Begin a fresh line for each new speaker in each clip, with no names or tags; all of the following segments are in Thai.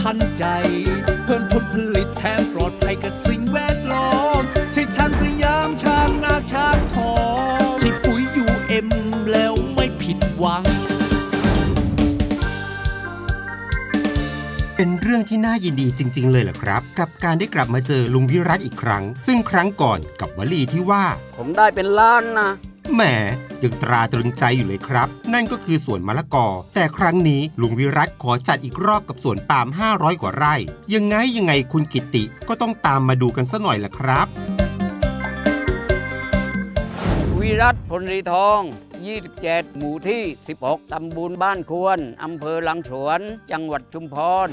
ทันใจเพิ่มผลผลิตแถมปลอดภัยกับสิ่งแวดล้อมใช่ช้างสยามช้างนาช้างทองใช่ปุ๋ยUMแล้วไม่ผิดหวัง
เป็นเรื่องที่น่ายินดีจริงๆเลยแหละครับกับการได้กลับมาเจอลุงวิรัตอีกครั้งซึ่งครั้งก่อนกับวลีที่ว่า
ผมได้เป็นล้านนะ
แหมยังตราตรึงใจอยู่เลยครับนั่นก็คือสวนมะละกอแต่ครั้งนี้ลุงวิรัตขอจัดอีกรอบกับสวนปาล์ม500กว่าไร่ยังไงคุณกิตติก็ต้องตามมาดูกันซะหน่อยล่ะครับ
วิรัต พลรีทอง27 หมู่ที่ 16 ตำบลบ้านควร อำเภอหลังสวน จังหวัดชุมพร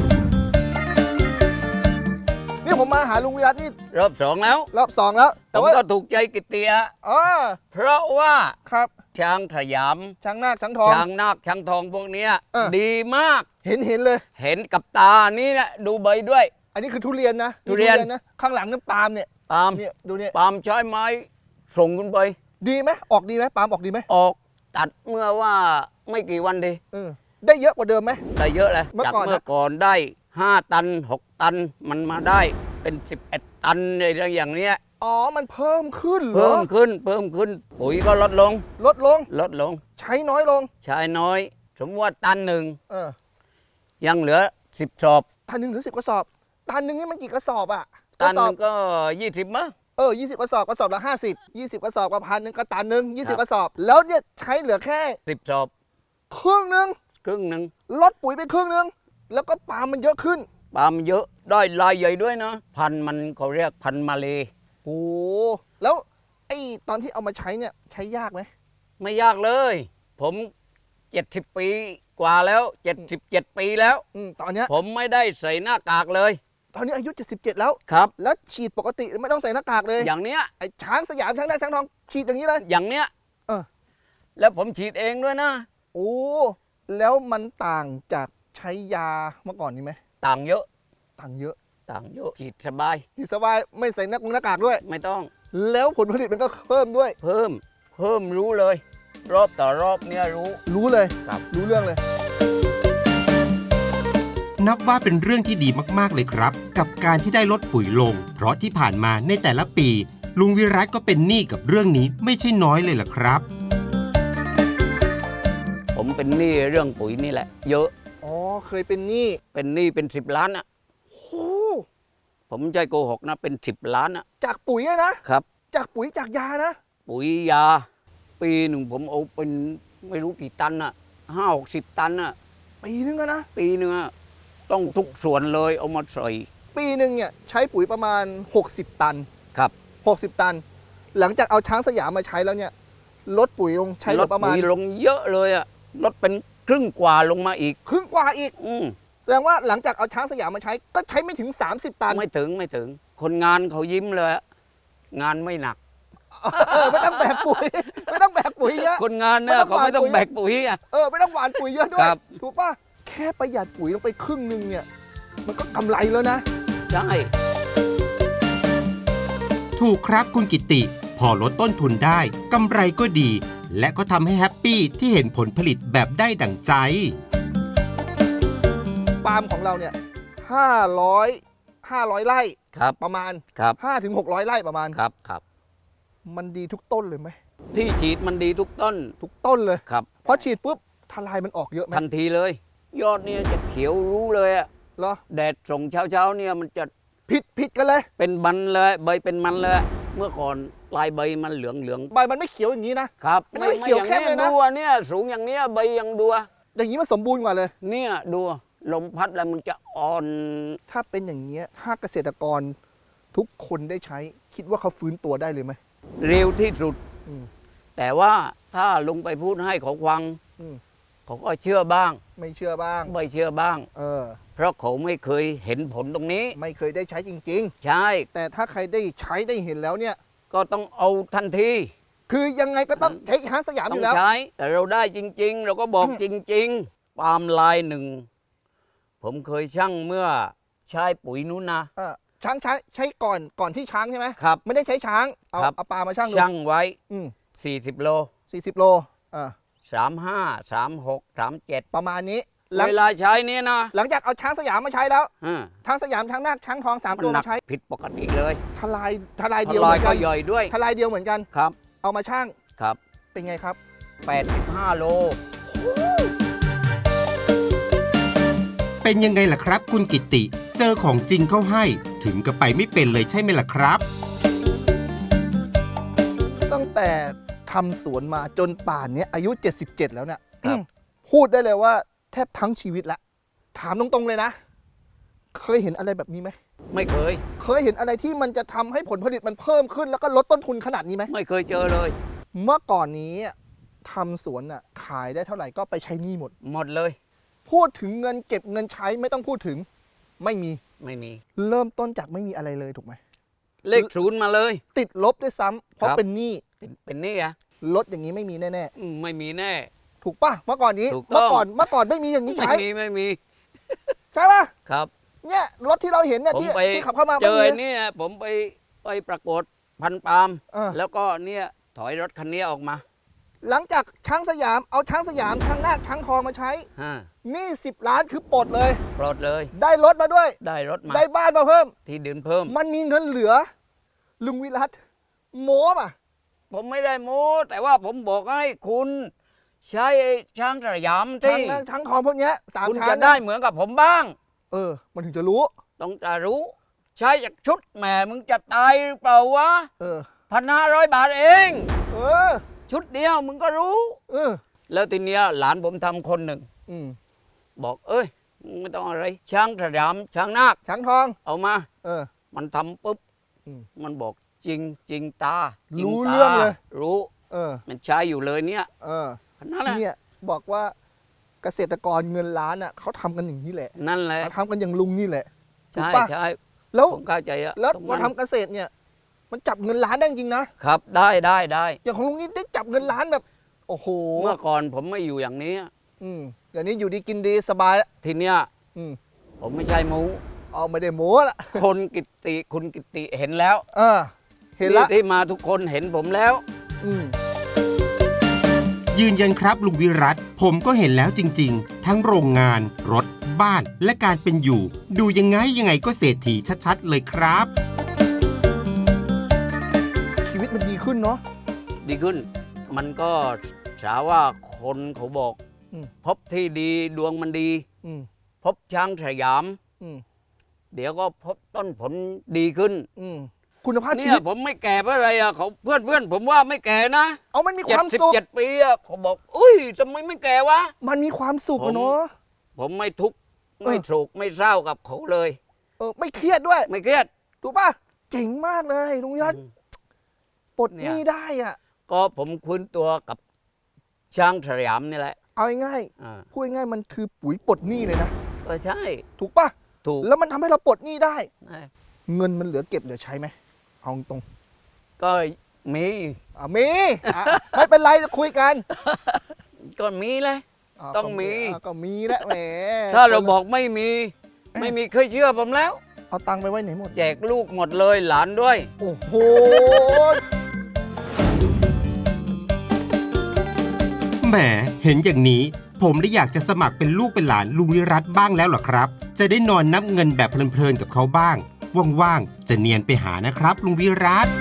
นี่ผมมาหาลุงวิรัตนี่
รอบ2แล้ว
รอบ2แล้ว
แต่ว่าก็ถูกใจกิตติอะเพราะว่า
ครับ
ช้างสยาม
ช้างนาคช้างทอง
ช้างนาคช้างทองพวกนี้ดีมาก
เห็นเลย
เห็นกับตานี่นะดูใบด้วย
อันนี้คือทุเรียนนะ
ทุเรียน
นะข้างหลังนั่นปาล์มเนี่ย
ปาล์ม
เนี่ยดูเนี่ย
ปาล์มใช้ไม้ส่งขึ้นไป
ดีไหมออกดีไหมปาล์มออกดีไหม
ออกตัดเมื่อว่าไม่กี่วันดี
ได้เยอะกว่าเดิมไหม
ได้เยอะเลยจากเมื่อก่อนได้5 ตัน 6 ตันมันมาได้เป็น11 ตันอะไรอย่างเนี้ย
มันเพิ่มขึ้นเหรอ
เพิ่มขึ้นปุ๋ยก็ลดลง
ใช้น้อยลง
สมมติว่าตันหนึ่งยังเหลือ10 สอบ
ตันหนึ่งเหลือ10 กระสอบตันหนึ่งนี่มันกี่กระสอบอะ
ตันหนึ่งก็20มั้ง
20 กระสอบละ50 20 กระสอบกับ1,000ก็ตันหนึ่ง20 กระสอบแล้วเนี่ยใช้เหลือแค่
10 สอบ
ครึ่งหนึ่งลดปุ๋ยไปครึ่งหนึ่งแล้วก็ปาล์มมันเยอะขึ้น
ปาล์มเยอะได้ลายใหญ่ด้วยนะพันมันเขาเรียกพันมาเล
โอ้แล้วไอ้ตอนที่เอามาใช้เนี่ยใช้ยากไหม
ไม่ยากเลยผม70 ปีกว่าแล้ว77 ปีแล้ว
ตอนนี้
ผมไม่ได้ใส่หน้ากากเลย
ตอนนี้อายุ77แล้ว
ครับ
แล้วฉีดปกติไม่ต้องใส่หน้ากากเลย
อย่างเนี้ย
ไอ้ช้างสยามช้างนาคช้างทองฉีดอย่างนี้เลย
อย่างเนี้ยแล้วผมฉีดเองด้วยนะ
โอ้แล้วมันต่างจากใช้ยาเมื่อก่อนนี้ไหม
ต่างเยอะฉีดสบาย
ไม่ใส่หน้ากากด้วย
ไม่ต้อง
แล้วผลผลิตมันก็เพิ่มด้วย
เพิ่มรู้เลยรอบต่อรอบเนี่ย
รู้เลย
ครับ
รู้เรื่องเลย
นับว่าเป็นเรื่องที่ดีมากๆเลยครับกับการที่ได้ลดปุ๋ยลงเพราะที่ผ่านมาในแต่ละปีลุงวิรัตก็เป็นหนี้กับเรื่องนี้ไม่ใช่น้อยเลยล่ะครับ
ผมเป็นหนี้เรื่องปุ๋ยนี่แหละเยอะ
เคยเป็นหนี้
เป็น10 ล้านอะ
โอ้
ผมไม่ใช่โกหกนะเป็น10 ล้านอะ
จากปุ๋ยนะครับจากปุ๋ยจากยานะ
ปุ๋ยยาปีหนึ่งผมเอาเป็นไม่รู้กี่ตันอะ50-60 ตันอะ
ปีนึงนะ
ปีนึงอะต้องทุกส่วนเลยเอามาใส่
ปีนึงเนี่ยใช้ปุ๋ยประมาณ60 ตัน
ครับ
60 ตันหลังจากเอาช้างสยามมาใช้แล้วเนี่ยลดปุ๋ยลงใช้ประมาณ
ลดปุ๋ยลงเยอะเลยอะลดเป็นครึ่งกว่าลงมาอีกแสดงว่าหลังจากเอาช้างสยามมาใช้ก็ใช้ไม่ถึง30 ตันไม่ถึงคนงานเขายิ้มเลยงานไม่หนัก
ไม่ต้องแบกปุ๋ยเยอะ
คนงานเนี่ยเขาไม่ต้องแบกปุ๋ย
ไม่ต้องหว่านปุ๋ยเยอะด้วยถูกป่ะแค่ประหยัดปุ๋ยลงไปครึ่งนึงเนี่ยมันก็กำไรแล้วนะ
ใช่
ถูกครับคุณกิตติพอลดต้นทุนได้กำไรก็ดีและก็ทำให้แฮปปี้ที่เห็นผลผลิตแบบได้ดั่งใจ
ปาล์มของเราเนี่ย500 ไร่ประมาณ5-600 ไร่ประมาณ
ครับ
มันดีทุกต้นเลยไหม
ที่ฉีดมันดีทุก
ต้นเลย
ครับ
พอฉีดปุ๊บทลายมันออกเยอะไหม
ทันทีเลยยอดเนี่ยจะเขียวรู้เลยอะ
เหรอ
แดดส่งเช้าเนี่ยมันจะ
ผิดกันเลย
เป็นมันเลยใบเป็นมันเลยเมื่อก่อนปลายใบมันเหลือง
ใบมันไม่เขียวอย่างนี้
นะครับ
ไม่เขียวแค่เลยนะ
ดูเนี่ยสูงอย่างเนี้ยใบยังดู
อย่างนี้มันสมบูรณ์กว่าเลย
เนี่ยดูลมพัดแล้วมันจะอ่อน
ถ้าเป็นอย่างนี้ถ้าเกษตรกรทุกคนได้ใช้คิดว่าเขาฟื้นตัวได้เลยไหม
เร็วที่สุดแต่ว่าถ้าลงไปพูดให้เขาฟังเขาก็เชื่อบ้าง
ไม่เชื่อบ้าง
เพราะเขาไม่เคยเห็นผลตรงนี้
ไม่เคยได้ใช้จริง
ๆใช่
แต่ถ้าใครได้ใช้ได้เห็นแล้วเนี่ย
ก็ต้องเอาทันที
คือยังไงก็ต้องใช้ช้างสยามอยู่แล้ว
ใช้แต่เราได้จริงๆเราก็บอกจริงๆปาล์มลายหนึ่งผมเคยชั่งเมื่อใช้ปุ๋ยนู้นนะ
ช้างใช้ก่อนที่ช้างใช่ไหม
ครับ
ไม่ได้ใช้ช้างเอาปลามา
ชั่งไว้40 โล
40 โล
35 36 37
ประมาณนี้
เวลาใช้เนี่ยนะ
หลังจากเอาช้างสยามมาใช้แล้ว
อ่า
ช้างสยามช้างนาคช้างทอง3 ตัว
หนั
มาใช้
ผิดปกติเลย
ทลายเดียว
ล
เห
อ
มื
ย
อน
ก็
กัน
ย่อยด้วย
ทลายเดียวเหมือนกัน
ครับ
เอามาช่าง
ครับ
เป็นไงครับ
85 โล
เป็นยังไงล่ะครับ คุณกิติ เจอของจริงเข้าให้ถึงกับไปไม่เป็นเลยใช่ไหมล่ะครับ
ตั้งแต่ทำสวนมาจนป่านนี้อายุ 77 แล้วเนี่ย
ครับ
พูดได้เลยว่าแทบทั้งชีวิตละถามตรงๆเลยนะ เคยเห็นอะไรแบบนี้ไหม
ไม่เคย
เคยเห็นอะไรที่มันจะทำให้ผลผลิตมันเพิ่มขึ้น แล้วก็ลดต้นทุนขนาดนี้ไหม
ไม่เคยเจอเลย
เมื่อก่อนนี้ทำสวนน่ะขายได้เท่าไหร่ก็ไปใช้หนี้หมด
หมดเลย
พูดถึงเงินเก็บเงินใช้ไม่ต้องพูดถึง ไม่มี
ไม่มี
เริ่มต้นจากไม่มีอะไรเลยถูกไหม
เลขศูนย์มาเลย
ติดลบด้วยซ้ำเพราะ
ครับ
เป็นหนี้
เป็นนี่อะ
ลดอย่างนี้ไม่มีแน่
ไม่มีแน่
ๆถูกป่ะเมื่อก่อนนี้
ถูกต้อง
เมื่อก่อนไม่มีอย่างนี้
ไม่
ใช้
มี
ใช่ป่ะ
ครับ
เนี่ยรถที่เราเห็นเนี่ย
ผม
ที่
ไป
ที่ขับเข้ามา
เจ
ไม่
อ
มี
เนี่ยผมไปประกวดพันปาล์ม
เออ
แล้วก็เนี่ยถอยรถคันนี้ออกมา
หลังจากช้างสยามเอาช้างสยามช้างนาคช้างทองมาใช้
ฮะ
หนี้10 ล้านคือปลดเลย
ปลดเลย
ได้รถมาด้วย
ได้รถมา
ได้บ้านมาเพิ่ม
ที่ดินเพิ่ม
มันมีเงินเหลือ ลุงวิรัตโม้ป่ะ
ผมไม่ได้โม้แต่ว่าผมบอกให้คุณใช้ไอ้ช้างสยาม
ช้าง
ที่
นาคช้างทองพวกเนี้ยสาม
คุณ
ช้าง
จะ
เนี่ย
ได้เหมือนกับผมบ้าง
มันถึงจะรู้
ต้องจะรู้ ใช้จากชุดแหมมึงจะตายหรือเปล่าวะ
เออ
1,500 บาทเอง
เออ
ชุดเดียวมึงก็รู้
เออ
แล้วทีเนี้ยหลานผมทำคนหนึ่ง
อืม
บอกเอ้ยมึงไม่ต้องอะไร ช้างสยามช้างนาค
ช้างทอง
เอามา
เออ
มันทำปุ๊บ
อืม
มันบอกจริงจริงตาจง
รู้
ตา
เรื่องเลย
รู้
เออ
มันใช้อยู่เลยเนี่ย
เออ
นั่นแหละ
เนี่ยบอกว่าเกษตรกรเงินล้านอ่ะเขาทำกันอย่างนี้แหละ
นั่นแหละ
เขาทำกันอย่างลุงนี่แหละถูก
ใช่
ปะ
ใช่
แล้ว
ผมเข้าใจอะ
แล้ว
ตรง
พอ
นั้น
ทำเกษตรเนี่ย มันจับเงินล้านได้จริงนะครับ
ได้ได้
อย่างของลุงนี่ได้จับเงินล้านแบบ โอ้โห
เมื่อก่อนผมไม่อยู่อย่างนี้
เดี๋ยวนี้อยู่ดีกินดีสบายแล้ว
ทีเนี้ย
อืม
ผมไม่ใช่หมู
เอาไม่ได้โม้ละ
คนกิตติคุณกิตติเห็นแล้ว
เห็นละ
ที่มาทุกคนเห็นผมแล้ว
อืม
ยืนยันครับลุงวิรัตผมก็เห็นแล้วจริงๆ ทั้งโรงงาน รถ บ้าน และการเป็นอยู่ ดูยังไงก็เศรษฐีชัดๆ เลยครับ
ชีวิตมันดีขึ้นเนาะ
ดีขึ้น มันก็ฉาว่าคนเขาบอก
อืม
พบที่ดีดวงมันดี
อืม
พบช้างสยาม
อืม
เดี๋ยวก็พบต้นผลดีขึ้น
อืมคุณภาพชี
เนี่
วิ
ย
ต
ผมไม่แก่เพราะอะไรอ่ะเขาเพื่อนผมว่าไม่แก่นะ
เอามันมีความสุข
77 ปีอ่ะเขาบอกอุ้ยทำไมไม่แก่วะ
มันมีความสุขอะเนาะ
ผมไม่ทุกข์
เออ
ไม่โศกไม่เศร้ากับเขาเลย
ไม่เครียดด้วย
ไม่เครียด
ถูกป่ะเจ๋งมากเลยลุงวิรัตปลดห
เนี่ย
นี้ได้อ่ะ
ก็ผมคุ้นตัวกับช้างสยามนี่แหละ
เอาง่าย
อ่า
ๆพูดง่ายๆมันคือปุ๋ยปลดหนี้เลยนะ
ก็ใช่
ถูกป่ะ
ถูก
แล้วมันทำให้เราปลดหนี้ได้
ใช่
เงินมันเหลือเก็บเหลือใช้ไหมเอาตรง
ก็มี
มีไม่เป็นไรจะคุยกัน
ก็มีเลย ต้องมี
ก็มีแหละแหม
ถ้าเราบอกไม่มี ไม่มีเคยเชื่อผมแล้ว
เอาตังค์ไปไว้ไหนหมด
แจกลูกหมดเลยหลานด้วย
โอ้โห
แหมเห็นอย่างนี้ ผมได้อยากจะสมัครเป็นลูกเป็นหลานลุงวิรัตบ้างแล้วเหรอครับ จะได้นอนนับเงินแบบเพลินๆกับเขาบ้าง ว่างๆจะเนียนไปหานะครับลุงวิรัต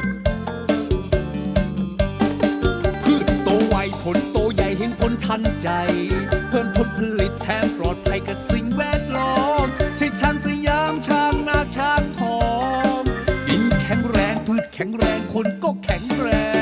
พืชโตไวผลโตใหญ่เห็นผลทันใจ เพิ่มผลผลิตแถมปลอดภัยกับสิ่งแวดล้อมใช่ช้างสยามช้างนาคช้างทองดินแข็งแรงพืชแข็งแรงคนก็แข็งแรง